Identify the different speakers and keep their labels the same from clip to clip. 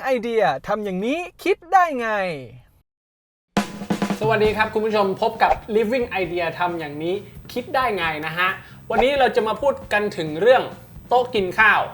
Speaker 1: Living Idea ทำอย่างนี้คิดได้ไง
Speaker 2: สวัสดีครับคุณผู้ชมพบกับ Living Idea ทำอย่างนี้คิดได้ไงนะฮะวันนี้เราจะมาพูดกันถึงเรื่องโต๊ะกินข้าว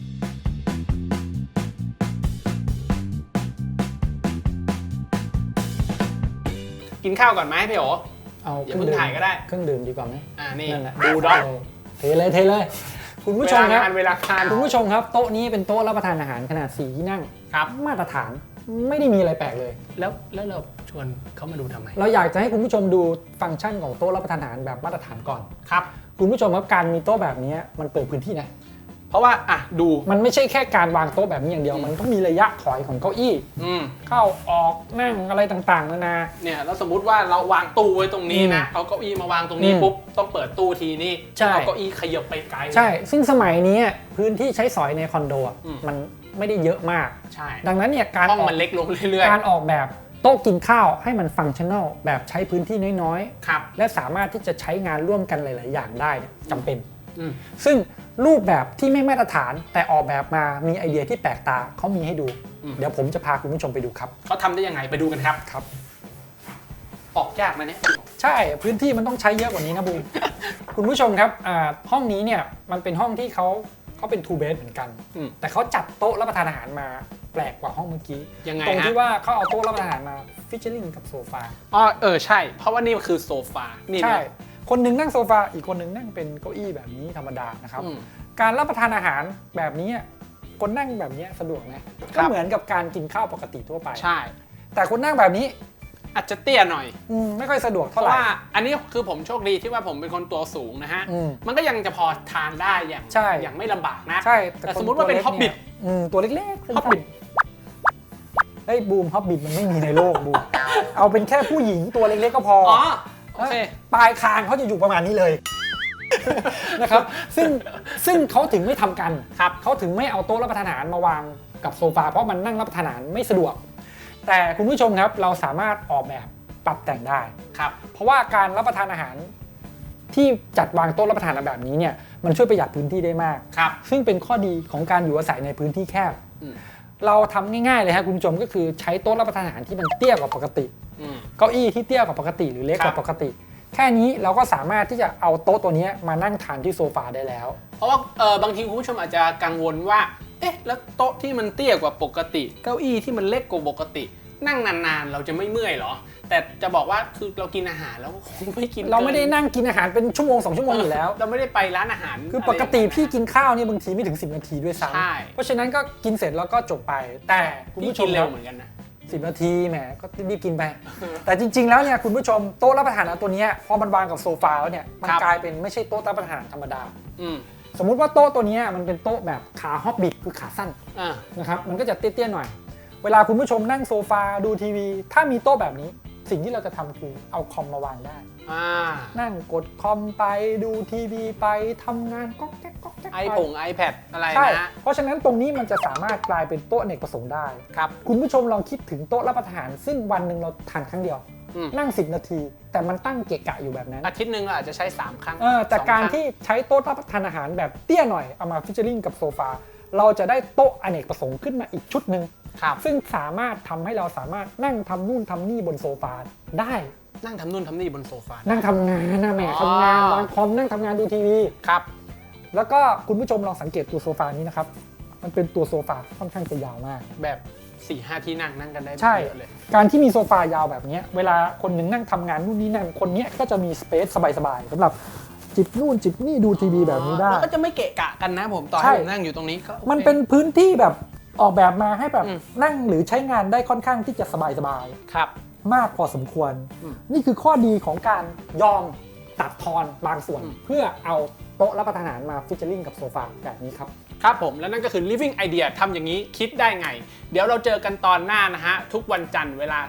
Speaker 2: กินข้าวก่อนไหมพี่โอ๋อย่าเพิ่งถ่ายก็ได้
Speaker 3: เครื่องดื่มดีกว่าไหม
Speaker 2: นี่ดูด็อก
Speaker 3: เทเลยคุณผู้ชมครับ
Speaker 2: เวลาทาน
Speaker 3: คุณผู้ชมครับโต๊ะนี้เป็นโต๊ะรับประทานอาหารขนาด4ที่นั่ง
Speaker 2: ครับ
Speaker 3: มาตรฐานไม่ได้มีอะไรแปลกเลย
Speaker 2: แล้วเราชวนเขามาดูทำไม
Speaker 3: เราอยากจะให้คุณผู้ชมดูฟังก์ชันของโต๊ะรับประทานอาหารแบบมาตรฐานก่อน
Speaker 2: ครับ
Speaker 3: คุณผู้ชมครับการมีโต๊ะแบบนี้มันเปิดพื้นที่นะ
Speaker 2: เพราะว่าดู
Speaker 3: มันไม่ใช่แค่การวางโต๊ะแบบนี้อย่างเดียวมันต้องมีระยะถอยของเก้าอี้เข้าออกนั่งอะไรต่างๆนานา
Speaker 2: เนี่ยแล้วสมมุติว่าเราวางตู้ไว้ตรงนี้นะเอาเก้าอี้มาวางตรงนี้ปุ๊บต้องเปิดตู้ทีนี่เอาเก้าอี้ขยับไปไกล
Speaker 3: ใช่ซึ่งสมัยนี้พื้นที่ใช้สอยในคอนโดมันไม่ได้เยอะมาก
Speaker 2: ใช่
Speaker 3: ดังนั้นเนี่ย
Speaker 2: ห้องมันเล็กลงเรื่อย
Speaker 3: ๆการออกแบบโต๊ะกินข้าวให้มันฟังก์ชั่นแนลแบบใช้พื้นที่น้อย
Speaker 2: ๆ
Speaker 3: และสามารถที่จะใช้งานร่วมกันหลายๆอย่างได้จำเป็นซึ่งรูปแบบที่ไม่มาตรฐานแต่ออกแบบมามีไอเดียที่แปลกตาเขามีให้ดูเดี๋ยวผมจะพาคุณผู้ชมไปดูครับ
Speaker 2: เขาทำได้ยังไงไปดูกันครับออกยากนะเนี่ย
Speaker 3: ใช่พื้นที่มันต้องใช้เยอะกว่านี้นะบูม คุณผู้ชมครับห้องนี้เนี่ยมันเป็นห้องที่เขาเป็น 2 bed เหมือนกันแต่เขาจัดโต๊ะรับประทานอาหารมาแปลกกว่าห้องเมื่อกี้ตรงที่ว่าเขาเอาโต๊ะรับประทานอาหารมาฟิชเชอร์ลิงกับโซฟา
Speaker 2: ใช่เพราะว่านี่คือโซฟานี่
Speaker 3: ใช่คนหนึ่งนั่งโซฟาอีกคนหนึ่งนั่งเป็นเก้าอี้แบบนี้ธรรมดานะครับการรับประทานอาหารแบบนี้คนนั่งแบบนี้สะดวกนะก็เหมือนกับการกินข้าวปกติทั่วไป
Speaker 2: ใช่
Speaker 3: แต่คนนั่งแบบนี้
Speaker 2: อาจจะเตี้ยหน่อย
Speaker 3: ไม่ค่อยสะดวก
Speaker 2: เท่าไหร่เพราะว่าอันนี้คือผมโชคดีที่ว่าผมเป็นคนตัวสูงนะฮะมันก็ยังจะพอทานได้อย่างไม่ลำบากนะ
Speaker 3: ใช่
Speaker 2: แต่สมมติว่าเป็นฮอบบิท
Speaker 3: ตัวเล็ก
Speaker 2: ๆฮอบบิท
Speaker 3: ไอ้บูมฮอบบิทมันไม่มีในโลกบูมเอาเป็นแค่ผู้หญิงตัวเล็กๆก็พอ
Speaker 2: โอเค
Speaker 3: ปลายคางเขาจะอยู่ประมาณนี้เลยนะครับซึ่งเขาถึงไม่ทำกันเขาถึงไม่เอาโต๊ะรับประทานอาหารมาวางกับโซฟาเพราะมันนั่งรับประทานอาหารไม่สะดวกแต่คุณผู้ชมครับเราสามารถออกแบบปรับแต่งได้เพราะว่าการรับประทานอาหารที่จัดวางโต๊ะรับประทานแบบนี้เนี่ยมันช่วยประหยัดพื้นที่ได้มากซึ่งเป็นข้อดีของการอยู่อาศัยในพื้นที่แคบเราทำง่ายๆเลยครับคุณผู้ชมก็คือใช้โต๊ะรับประทานอาหารที่มันเตี้ยกว่าปกติเก้าอี้ที่เตี้ยกว่าปกติหรือเล็กกว่าปกติแค่นี้เราก็สามารถที่จะเอาโต๊ะตัวนี้มานั่งทานที่โซฟาได้แล้ว
Speaker 2: เพราะว่าบางทีคุณผู้ชมอาจจะกังวลว่าแล้วโต๊ะที่มันเตี้ยกว่าปกติเก้าอี้ที่มันเล็กกว่าปกตินั่งนานๆเราจะไม่เมื่อยหรอแต่จะบอกว่าคือเรากินอาหารแล้วคงไม่กิน
Speaker 3: เราไม่ได้นั่งกินอาหารเป็นชั่วโมง2 ชั่วโมงอยู่แล้ว
Speaker 2: เราไม่ได้ไปร้านอาหาร
Speaker 3: คือปกติพี่กินข้าวนี่บางทีไม่ถึง10 นาทีด้วยซ้ำเพราะฉะนั้นก็กินเสร็จแล้วก็จบไปแต่
Speaker 2: คุณผู้ชมเร็วเหมือนกันนะ
Speaker 3: 10 นาทีแหมก็รีบกินไปแต่จริงๆแล้วเนี่ยคุณผู้ชมโต๊ะรับประทานตัวนี้พอมันวางกับโซฟาแล้วเนี่ยมันกลายเป็นไม่ใช่โต๊ะรับประทานธรรมดาสมมุติว่าโต๊ะตัวนี้มันเป็นโต๊ะแบบขาฮอบบิทคือขาสั้นนะครับมันก็จะเตี้ยๆหน่อยเวลาคุณผู้ชมนั่งโซฟาดูทีวีถ้ามีโต๊ะแบบนี้สิ่งที่เราจะทำคือเอาคอมมาวางได้นั่งกดคอมไปดูทีวีไปทำงานก๊อกแก๊กก๊อกแก๊ก
Speaker 2: iPad อะไรนะ
Speaker 3: เพราะฉะนั้นตรงนี้มันจะสามารถกลายเป็นโต๊ะอเนกประสงค์ได้
Speaker 2: ครับ
Speaker 3: คุณผู้ชมลองคิดถึงโต๊ะรับประทานซึ่งวันหนึ่งเราทานครั้งเดียวนั่ง10 นาทีแต่มันตั้งเกะกะอยู่แบบนั้น
Speaker 2: อาทิตย์นึงเราอาจจะใช้3 ครั้ง
Speaker 3: แต่การที่ใช้โต๊ะรับประทานอาหารแบบเตี้ยหน่อยเอามาฟิชเชอร์ลิงกับโซฟาเราจะได้โต๊ะอเนกประสงค์ขึ้นมาอีกชุดหนึ่งซึ่งสามารถทำให้เราสามารถนั่งทำนู่นทำนี่บนโซฟาได้
Speaker 2: นั่งทำนู่นทำนี่บนโซฟา
Speaker 3: นั่งทำงานนะแม่ทำงานวางคอมนั่งทำงานดูทีวี
Speaker 2: ครับ
Speaker 3: แล้วก็คุณผู้ชมลองสังเกตตัวโซฟานี้นะครับมันเป็นตัวโซฟาค่อนข้างจะยาวมาก
Speaker 2: แบบ 4-5 ที่นั่งกันได้
Speaker 3: เยอะเลยการที่มีโซฟายาวแบบนี้เวลาคนหนึ่งนั่งทำงานนู่นนี่นั่นคนนี้ก็จะมีสเปซสบายๆสำหรับจิบนู่นจิบนี่ดูทีวีแบบนี้ได้
Speaker 2: แล้วก็จะไม่เกะกะกันนะผมตอนที่ผมนั่งอยู่ตรงนี้ก็
Speaker 3: มันเป็นพื้นที่แบบออกแบบมาให้แบบนั่งหรือใช้งานได้ค่อนข้างที่จะสบาย
Speaker 2: ครับ
Speaker 3: มากพอสมควรนี่คือข้อดีของการยอมตัดทอนบางส่วนเพื่อเอาโต๊ะรับประทานอาหารมาฟิชเชอร์ลิงกับโซฟาแบบนี้ครับ
Speaker 2: ครับผมและนั่นก็คือ Living Idea ทำอย่างนี้คิดได้ไงเดี๋ยวเราเจอกันตอนหน้านะฮะทุกวันจันทร์เวลา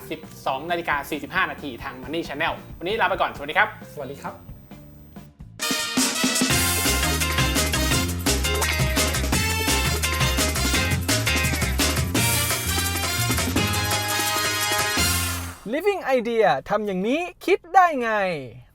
Speaker 2: 12:45 นาทีทาง Money Channel วันนี้ลาไปก่อนสวัสดีครับ
Speaker 3: สวัสดีครับ
Speaker 1: Living Idea ทำอย่างนี้คิดได้ไง